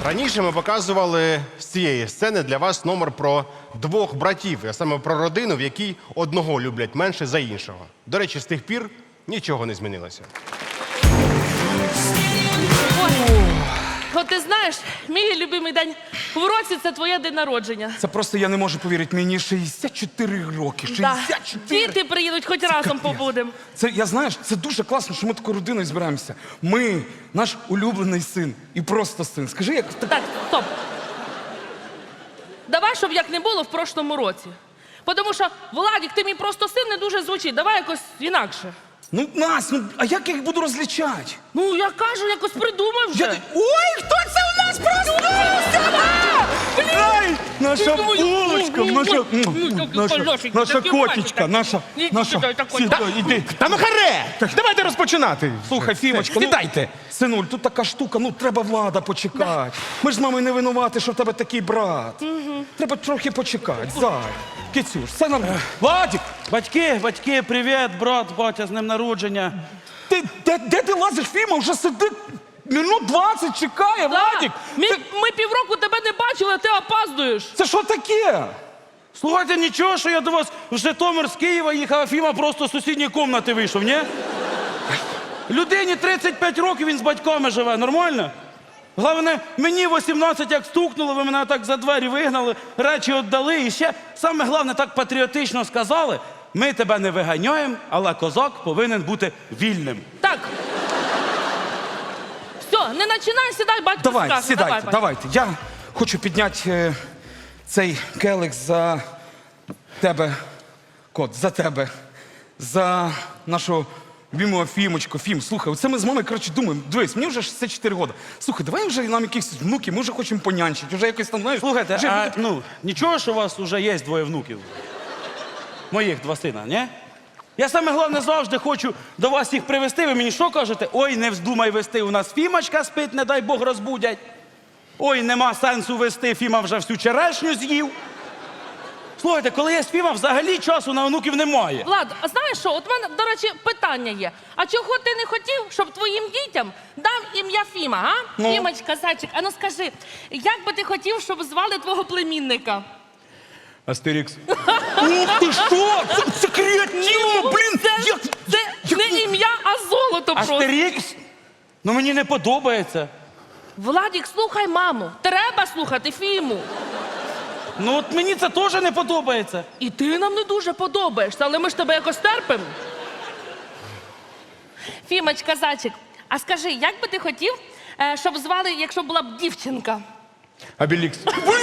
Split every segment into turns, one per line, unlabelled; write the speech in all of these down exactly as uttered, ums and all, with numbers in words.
Раніше ми показували з цієї сцени для вас номер про двох братів, а саме про родину, в якій одного люблять менше за іншого. До речі, з тих пір нічого не змінилося.
От ти знаєш, мій любимий день в році – це твоє день народження.
Це просто я не можу повірити. Мені шістдесят чотири роки. шістдесят чотири!
Діти приїдуть, хоч разом побудемо.
Це, я знаєш, це дуже класно, що ми такою родиною збираємося. Ми, наш улюблений син і просто син. Скажи, як...
Так, стоп. Давай, щоб як не було в прошлому році. Тому що, Владик, ти мій просто син не дуже звучить. Давай якось інакше.
Ну, Настя, ну, а як я їх буду розлічати?
Ну, я кажу, якось придумай вже.
Я... Ой, хто це у нас проснувся? Ай, наша булочка, наша, наша, наша котечка, наша, наша. Сідай, іди.
Та ну харе! Давайте розпочинати.
Слухай, Фімочка, ну,
сідайте.
Синуль, тут така штука, ну треба Влада почекати. Ми ж з мамою не винуваті, що в тебе такий брат. Треба трохи почекати. Зай, Кицюш, все нормально. Владик,
Батьки, батьки, привіт, брат, батя, з днем народження.
ти, де, де ти лазиш, Фіма? Вже сидить минут двадцять, чекає, Владик.
Ми,
Ти-
ми півроку тебе не бачили, а ти опаздуєш.
Це що таке?
Слухайте, нічого, що я до вас в Житомир з Києва їхав, а Фіма просто з сусідньої кімнати вийшов, ні? Людині тридцять п'ять років, він з батьками живе, нормально? Головне, мені вісімнадцять як стукнуло, ви мене так за двері вигнали, речі віддали, і ще, саме головне, так патріотично сказали, ми тебе не виганяємо, але козак повинен бути вільним.
Так. Все, не починай, сідай, батько
Давай,
скаже.
сідайте,
Давай, батько.
давайте. Я хочу підняти е, цей келих за тебе, кот, за тебе, за нашу любимого Фімочку. Фім, слухай, оце ми з мамою, коротше, думаємо, дивись, мені вже шістдесят чотири роки. Слухай, давай вже нам якихось внуків, ми вже хочемо понянчити, вже якось там, знаєш.
Слухайте,
вже
а
буде-
ну, нічого, що у вас вже є двоє внуків? Моїх два сина, ні? Я саме головне завжди хочу до вас їх привезти. Ви мені що кажете? Ой, не вздумай вести, у нас Фімочка спить, не дай Бог розбудять. Ой, нема сенсу вести, Фіма вже всю черешню з'їв. Слухайте, коли є Фіма, взагалі часу на онуків немає.
Влад, а знаєш що, от в мене, до речі, питання є. А чого ти не хотів, щоб твоїм дітям дав ім'я Фіма, а?
Ну?
Фімочка, зайчик, а ну скажи, як би ти хотів, щоб звали твого племінника?
Астерікс. Ух ти що? Це, це креативно, блін!
Це,
Як...
це
як-
не ім'я, а золото просто.
Астерікс? Ну мені не подобається.
Владик, слухай маму. Треба слухати Фіму.
Ну от мені це теж не подобається.
І ти нам не дуже подобаєшся, але ми ж тебе якось терпимо. Фімочка, зайчик, а скажи, як би ти хотів, е, щоб звали, якщо була б дівчинка?
Абілікс.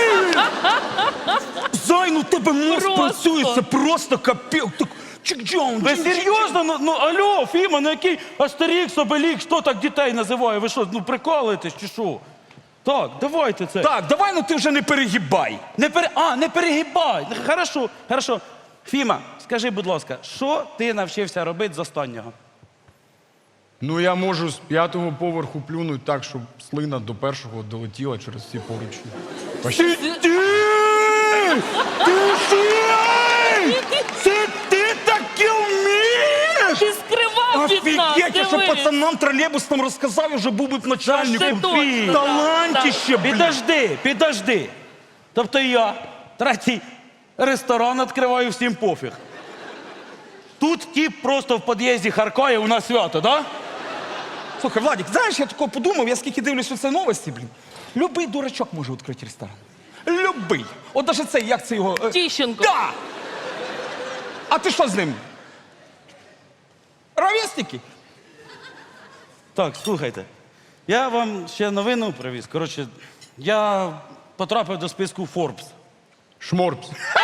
Зай, ну в тебе мозк
Просто.
працює, це просто капець. Так, чик-джон,
Ви
джин-
серйозно? Ну, ну алло, Фіма, ну який Астерікс, Обелікс, хто так дітей називає? Ви що, ну прикалуєтесь чи що? Так, давайте це.
Так, давай, ну ти вже не перегибай.
Не пере... А, не перегибай. Хорошо, хорошо. Фіма, скажи, будь ласка, що ти навчився робити з останнього?
Ну, я можу з п'ятого поверху плюнути так, щоб слина до першого долетіла через всі поручні.
Ти, ти, ти що? Це ти таке вмієш?
Ти скривав від нас,
Офігеть, я що
дивись.
пацанам тролейбусом розказав, я вже був би б
Це
начальником.
точно,
Талантіще, блін.
Підожди, підожди. Тобто я третій ресторан відкриваю, всім пофіг. Тут тіп просто в під'їзді харкає, у нас свято, да?
Слухай, Владик, знаєш, я такого подумав, я скільки дивлюсь оце новості, блін. Любий дурачок може відкрити ресторан. Любий. От даже цей, як це його... е,
Тіщенко.
Да! А ти що з ним? Ровесники?
Так, слухайте. Я вам ще новину привіз. Коротше, я потрапив до списку Forbes.
Шморпс.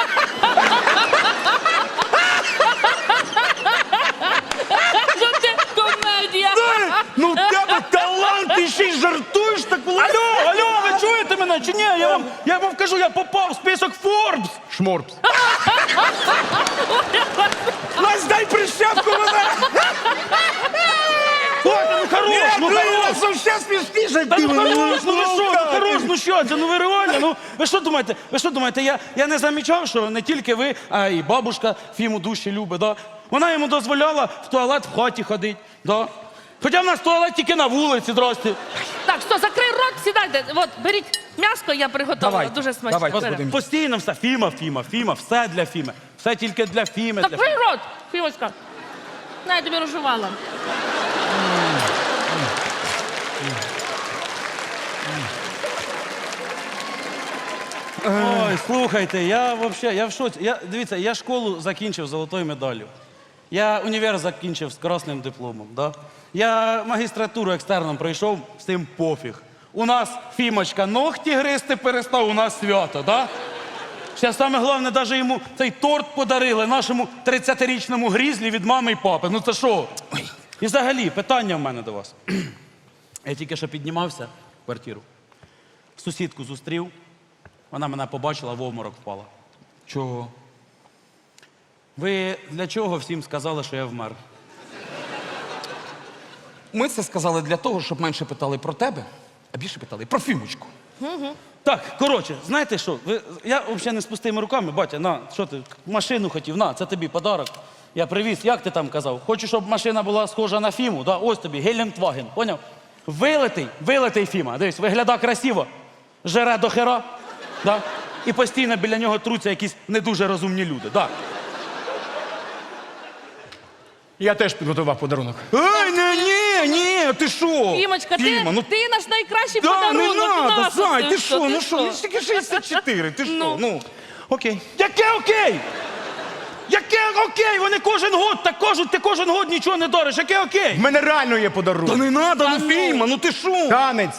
Що ти комедія?
Ну в тебе талант, ти ще й жартуєш так, Владик.
Алло, алло, ви чуєте мене чи ні? Я вам, я вам кажу, я попав в список Forbes.
Шморпс.
Настя, дай прищепку мене!
Ой, ну хорош, ну хорош.
вообще смішніше.
Та ну хорош, ну ви що, ну хорош, ну що це, ну ви реально, ну ви що думаєте, ви що думаєте, я, я не замічав, що не тільки ви, а і бабушка Фіму душі любить, да? Вона йому дозволяла в туалет в хаті ходити, да? Хоча в нас туалет тільки на вулиці, здрасте.
Так, що, закрий рот! рот, сідайте. От, беріть м'яско, я приготувала.
Давай,
Дуже смачно.
давай,
Беремо.
будемо.
Постійно все. Фіма, Фіма, Фіма, все для Фіми. Все тільки для Фіми.
Так
Для...
прий рот, Фімочка. На, я тобі розжувала.
Ой, слухайте, я вообще, я в шоці. Я, дивіться, я школу закінчив золотою медаллю. Я універ закінчив з красним дипломом. Да? Я магістратуру екстерном пройшов, з тим пофіг. У нас Фімочка ногті гризти перестав, у нас свято, да? Ще саме головне, навіть йому цей торт подарили нашому тридцятирічному грізлі від мами і папи. Ну це що? І взагалі, питання в мене до вас. Я тільки що піднімався в квартиру. Сусідку зустрів, вона мене побачила, в обморок впала.
Чого?
Ви для чого всім сказали, що я вмер?
Ми це сказали для того, щоб менше питали про тебе, а більше питали про Фімочку.
Так, коротше, знаєте що? Ви, я взагалі не з пустими руками, батя, на, що ти, машину хотів, на, це тобі подарок. Я привіз, як ти там казав? Хочу, щоб машина була схожа на Фіму, да? Ось тобі, Гелендваген, поняв? Вилитий, вилитий Фіма, дивись, виглядає красиво, жере до хера, да? І постійно біля нього труться якісь не дуже розумні люди, да.
Я теж підготував подарунок.
Ей, ні, ні, ні, ти що?
Фімочка, ти,
Фіма, ну
ти наш найкращий
да,
подарунок.
не надо,
Нащо
зай, ти
все?
що, ну що, ну тільки шістдесят чотири, ти що,
Ну.
ну, окей.
Яке окей? Яке окей? Вони кожен год так кажуть, ти кожен год нічого не дариш. Яке окей?
В мене реально є
Та
подарунок.
не надо, ну
ну.
Фіма, ну ти що?
Танець.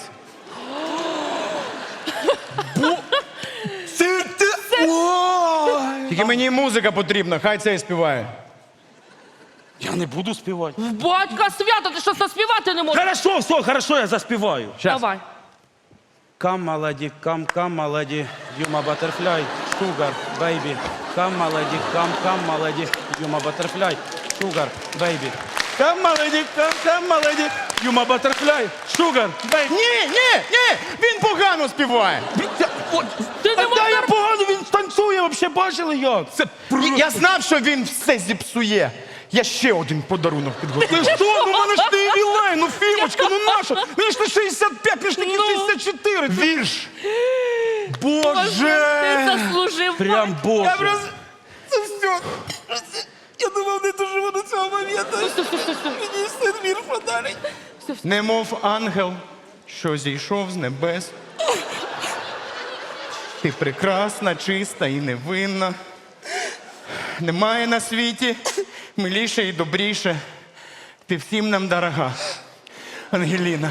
Це ти... Ой.
Тільки мені музика потрібна, хай це і співає.
Я не буду співати.
В батька свято, ти що заспівати не можеш?
Хорошо, все, хорошо, я заспіваю.
Давай.
Come, my lady, come, come, my lady, you my butterfly, sugar, baby. Come, my lady, come, come, my lady, you my butterfly, sugar, baby. Come, my lady, come, come, my lady, you my butterfly, sugar, baby.
Ні, ні, ні, він погано співає.
Ти не
А та я
можеш.
погано, він танцює, взагалі бачили як?
Це
Я- Я знав, що він все зіпсує. Я ще один подарунок підготував.
Ти що? Ну в мене ж не ювілей, ну Фімочка, ну наша? Мені ж не шістдесят п'ять, мені ж таки
Ну.
шістдесят чотири.
Вірш.
Ти
Боже!
заслужив.
Прям боже.
Це все. Я думав, не доживу до цього моменту. Мені син вірш подарить.
Немов ангел, що зійшов з небес. Ти прекрасна, чиста і невинна. Немає на світі миліше і добріше. Ти всім нам дорога, Ангеліна.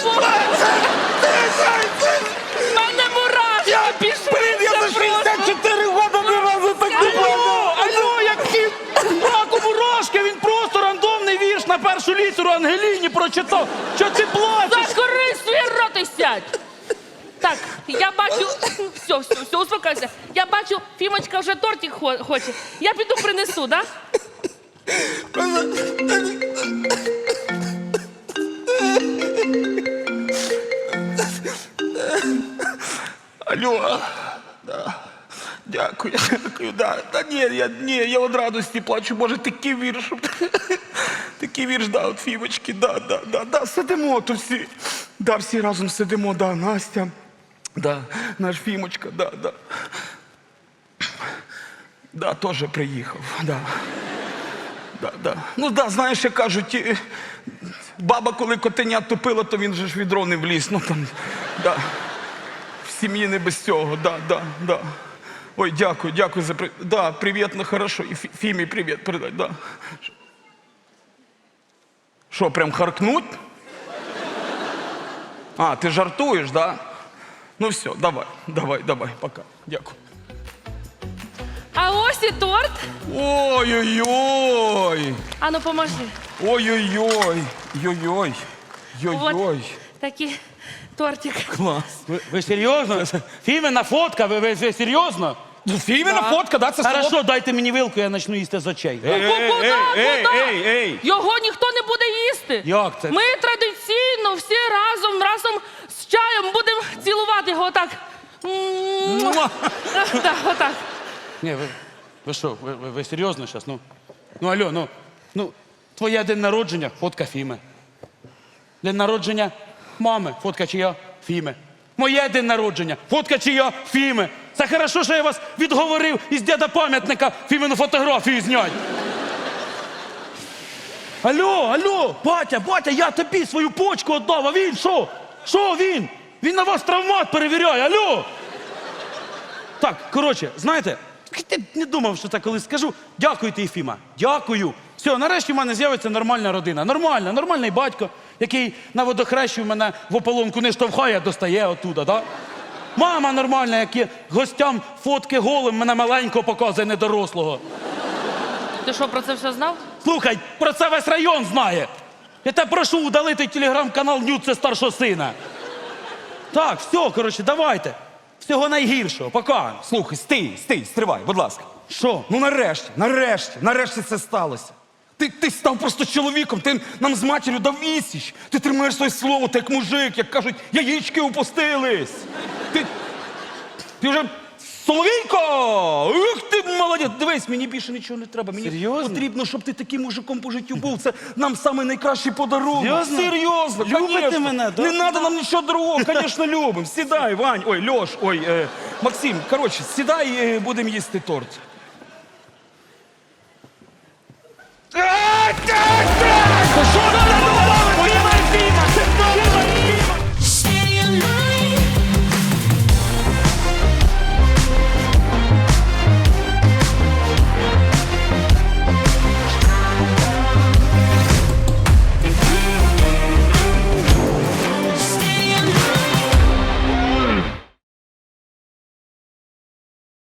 В мене мурашки пішли.
Блін, я за шістдесят чотири роки ні разу так не
Алло, алло, як кіт раку мурашки, він просто рандомний вірш на першу літеру Ангеліні прочитав. Що ти плачеш?
Закрий свій рот і сядь. Так, я бачу. Все, все, все, успокойся. Я бачу, Фімочка вже тортик хо- хоче. Я піду принесу, да?
Алло, да. Дякую, дякую, да. Та ні, я, ні, я від радості плачу, може, такий вірш. Такий вірш, да, от Фімочки, да, да, да, да, сидимо тут всі. Да, всі разом сидимо, да, Настя, да, наш Фімочка, да, да. Да, теж приїхав, да. Да, да. Ну, да, знаєш, як кажуть, е, баба, коли котеня топила, то він же ж в відро не вліз, ну там, да. В сім'ї не без цього, да, да, да. Ой, дякую, дякую за при... Да, привіт, ну хорошо. І Фі- Фімі привіт передай, да. Що, прям харкнуть? А, ти жартуєш, да? Ну все, давай, давай, давай, пока. Дякую.
А ось і торт.
Ой-ой-ой!
Ану, поможи.
Ой-ой-ой! Йой-йой! Йой-йой!
От такий тортик.
Клас!
Ви, ви серйозно? Фімена фотка, ви, ви, ви серйозно?
Фіміна фотка, да, це
Хорошо, дайте мені вилку, я почну їсти з очей.
Куди, куди?
ей, ей, ей!
Його ніхто не буде їсти.
Як це?
Ми традиційно всі разом, разом з чаєм будемо цілувати його отак. Муа. Так, отак.
Ні, ви, ви що, ви, ви, ви серйозно зараз? Ну, ну, алло, ну, ну, твоє день народження, фотка Фіми. День народження мами, фотка чия? Фіми. Моє день народження. Фотка чия? Фіми. Це хорошо, що я вас відговорив із діда пам'ятника Фімину фотографію знять. Алло, алло, батя, батя, я тобі свою почку віддав, а він що? Що він? Він на вас травмат перевіряє, алло! Так, коротше, знаєте, я не думав, що це колись скажу. Дякую ти, Єфіма, дякую. Все, нарешті в мене з'явиться нормальна родина. Нормальна, нормальний батько, який на водохрещі в мене в ополонку не штовхає, а достає оттуда, да? Мама нормальна, яка гостям фотки голим мене маленького показує, недорослого.
Ти що, про це все знав?
Слухай, про це весь район знає. Я тебе прошу удалити телеграм-канал Нюд, це старшого сина. Так, все, коротше, давайте. Всього найгіршого, пока.
Слухай, стій, стій, стривай, будь ласка.
Що?
Ну нарешті, нарешті, нарешті це сталося. Ти, ти став просто чоловіком, ти нам з матір'ю дав відсіч. Ти тримаєш своє слово, ти як мужик, як кажуть, яєчки опустились. Ти, ти вже Соловійко! Ух ти, молодець! Дивись, мені більше нічого не треба. Мені
Серйозно?
потрібно, щоб ти таким мужиком по життю був. Це нам самий найкращий подарунок.
Серйозно?
Серйозно,
Любите
конечно.
мене, да?
Не треба нам нічого другого, звісно, любимо. Сідай, Вань, ой, Льош, ой, е, Максим, коротше, сідай, е, будемо їсти торт.
Що,